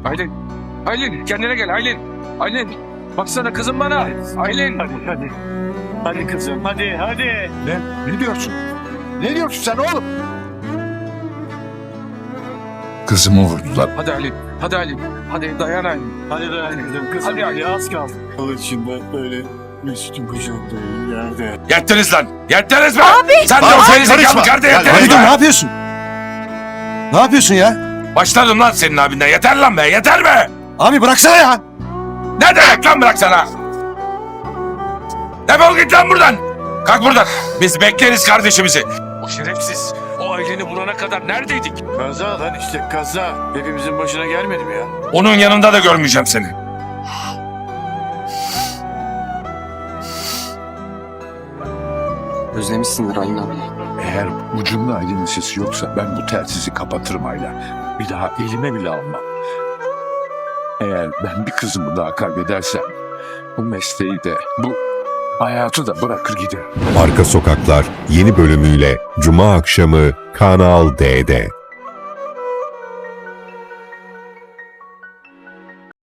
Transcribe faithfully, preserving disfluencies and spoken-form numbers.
Aylin. Aylin kendine gel Aylin. Aylin. Baksana kızım bana. Aylin. Hadi hadi. Hadi kızım hadi hadi. Ne? Ne diyorsun? Ne diyorsun sen oğlum? Kızımı vurdular. Hadi Aylin. Hadi Aylin. Hadi dayan Aylin. Hadi dayan kızım. Kızım Hadi, hadi, az kaldı. Alın şimdi böyle üstüm kucağımda yerde. Yettiniz lan! Yettiniz mi? Abi! Sen de o Abi, gerizekalı karışma. karda Ya, yettiniz Halidun, ne mi? yapıyorsun? Ne yapıyorsun ya? Başladım lan senin abinden. Yeter lan be! Yeter mi? Abi bıraksana ya. Ne demek lan bıraksana? Defol git lan buradan! Kalk buradan! Biz bekleriz kardeşimizi. O şerefsiz, o Aylin'i bulana kadar neredeydik? Kaza lan işte kaza. Hepimizin başına gelmedi mi ya? Onun yanında da görmeyeceğim seni. Özlemişsindir Aylin abi. Eğer ucunda Aylin'in sesi yoksa ben bu telsizi kapatırım Ayla. Bir daha elime bile almam. Eğer ben bir kızımı daha kaybedersem bu mesleği de bu hayatı da bırakır giderim. Arka Sokaklar yeni bölümüyle Cuma akşamı Kanal D'de.